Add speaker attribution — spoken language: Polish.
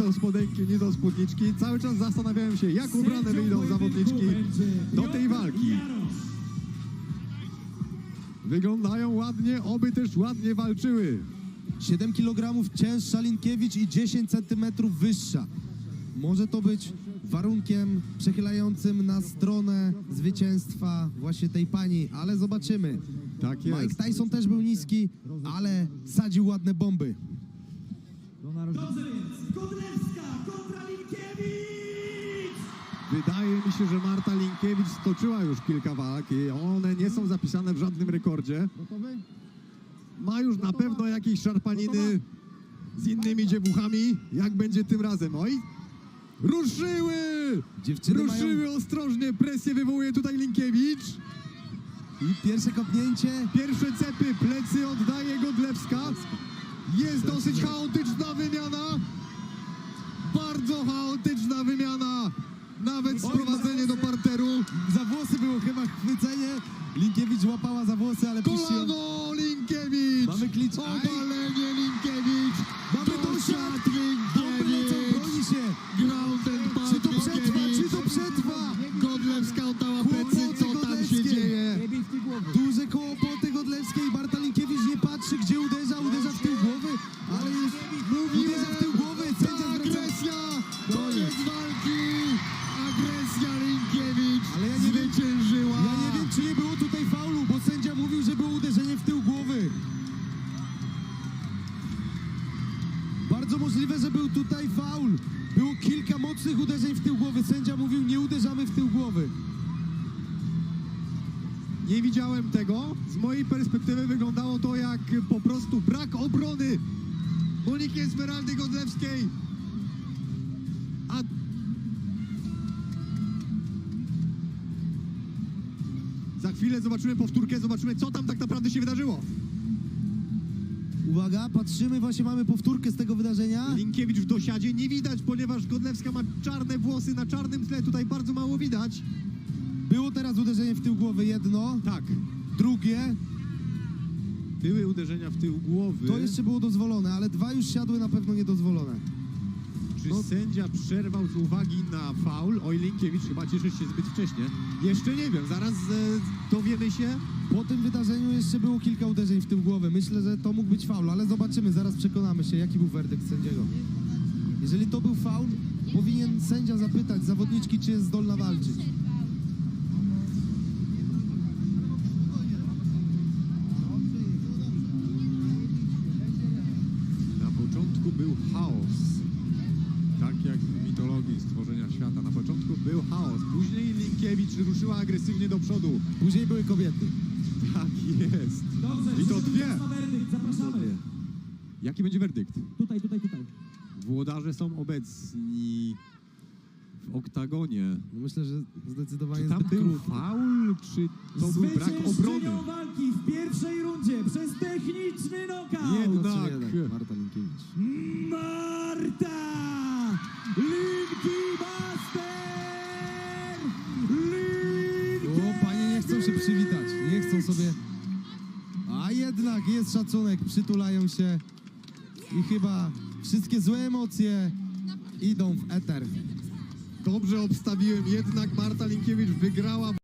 Speaker 1: do spodenki, nie do spódniczki. Cały czas zastanawiałem się, jak ubrane wyjdą zawodniczki do tej walki. Wyglądają ładnie, oby też ładnie walczyły.
Speaker 2: 7 kg cięższa Linkiewicz i 10 cm wyższa. Może to być warunkiem przechylającym na stronę zwycięstwa właśnie tej pani, ale zobaczymy.
Speaker 1: Tak jest.
Speaker 2: Mike Tyson też był niski, ale sadził ładne bomby.
Speaker 3: Dobrze więc, Godlewska kontra Linkiewicz!
Speaker 1: Wydaje mi się, że Marta Linkiewicz stoczyła już kilka walk i one nie są zapisane w żadnym rekordzie. Ma już na pewno jakieś szarpaniny z innymi dziewuchami. Jak będzie tym razem? Oj! Ruszyły!
Speaker 2: Dziewczyny
Speaker 1: Ruszyły ostrożnie, presję wywołuje tutaj Linkiewicz.
Speaker 2: I pierwsze kopnięcie.
Speaker 1: Pierwsze cepy, plecy oddaje Godlewska. Jest dosyć chaotyczna wymiana. Bardzo chaotyczna wymiana. Nawet sprowadzenie do parteru.
Speaker 2: Za włosy było chyba chwycenie. Linkiewicz łapała za włosy, ale puściła.
Speaker 1: Kolano Linkiewicz.
Speaker 2: Mamy klicz.
Speaker 1: Obalenie Linkiewicz.
Speaker 2: Mamy dosiad. Bomby lecą, broni się.
Speaker 1: Ground and pound
Speaker 2: Czy to przetrwa?
Speaker 1: Linkiewicz.
Speaker 2: Czy to przetrwa?
Speaker 1: Godlewska oddała plecy. Co tam się dzieje?
Speaker 2: Duże koło poty Godlewskiej. Marta Linkiewicz nie patrzy, gdzie uderza. Uderza w tył głowy, ale już uderza w tył głowy. Sędzia zwraca.
Speaker 1: Agresja. Koniec walki. Agresja Linkiewicz.
Speaker 2: Ale ja nie wiem,
Speaker 1: zwyciężyła.
Speaker 2: Ja nie wiem, czy nie było tutaj faulu, bo sędzia mówił, że było uderzenie w tył głowy. Bardzo możliwe, że był tutaj faul. Było kilka mocnych uderzeń w tył głowy. Sędzia mówił, nie uderzamy w tył głowy.
Speaker 1: Nie widziałem tego. Z mojej perspektywy wyglądało to jak po prostu brak obrony Moniki Esmeraldy Godlewskiej. A za chwilę zobaczymy powtórkę, zobaczymy, co tam tak naprawdę się wydarzyło.
Speaker 2: Uwaga, patrzymy, właśnie mamy powtórkę z tego wydarzenia.
Speaker 1: Linkiewicz w dosiadzie nie widać, ponieważ Godlewska ma czarne włosy na czarnym tle. Tutaj bardzo mało widać.
Speaker 2: Było teraz uderzenie w tył głowy, jedno,
Speaker 1: Tak,
Speaker 2: drugie.
Speaker 1: były uderzenia w tył głowy.
Speaker 2: To jeszcze było dozwolone, ale dwa już siadły na pewno niedozwolone.
Speaker 1: Czy sędzia przerwał z uwagi na faul? Oj, Linkiewicz chyba cieszy się zbyt wcześnie. Jeszcze nie wiem, zaraz dowiemy się.
Speaker 2: Po tym wydarzeniu jeszcze było kilka uderzeń w tył głowy. Myślę, że to mógł być faul, ale zobaczymy, zaraz przekonamy się, jaki był werdykt sędziego. Jeżeli to był faul, powinien sędzia zapytać zawodniczki, czy jest zdolna walczyć.
Speaker 1: Na początku był chaos. Tak jak w mitologii stworzenia świata. Na początku był chaos. Później Linkiewicz ruszyła agresywnie do przodu.
Speaker 2: Później były kobiety.
Speaker 1: Tak jest.
Speaker 3: Dobrze,
Speaker 1: I to dwie.
Speaker 3: czas na werdykt, zapraszamy.
Speaker 1: Jaki będzie werdykt?
Speaker 3: Tutaj.
Speaker 1: Włodarze są obecni w oktagonie.
Speaker 2: No myślę, że zdecydowanie
Speaker 1: Czy tam
Speaker 2: zbyt
Speaker 1: był
Speaker 2: krótko.
Speaker 1: faul, czy to był brak obrony?
Speaker 3: Zwyciężczynią walki w pierwszej rundzie przez techniczny knockout
Speaker 1: Jednak.
Speaker 2: Marta Linkiewicz.
Speaker 3: Marta Linkimaster!
Speaker 2: O, panie nie chcą się przywitać, nie chcą sobie... A jednak jest szacunek, przytulają się i chyba wszystkie złe emocje idą w eter.
Speaker 1: Dobrze obstawiłem, jednak Marta Linkiewicz wygrała.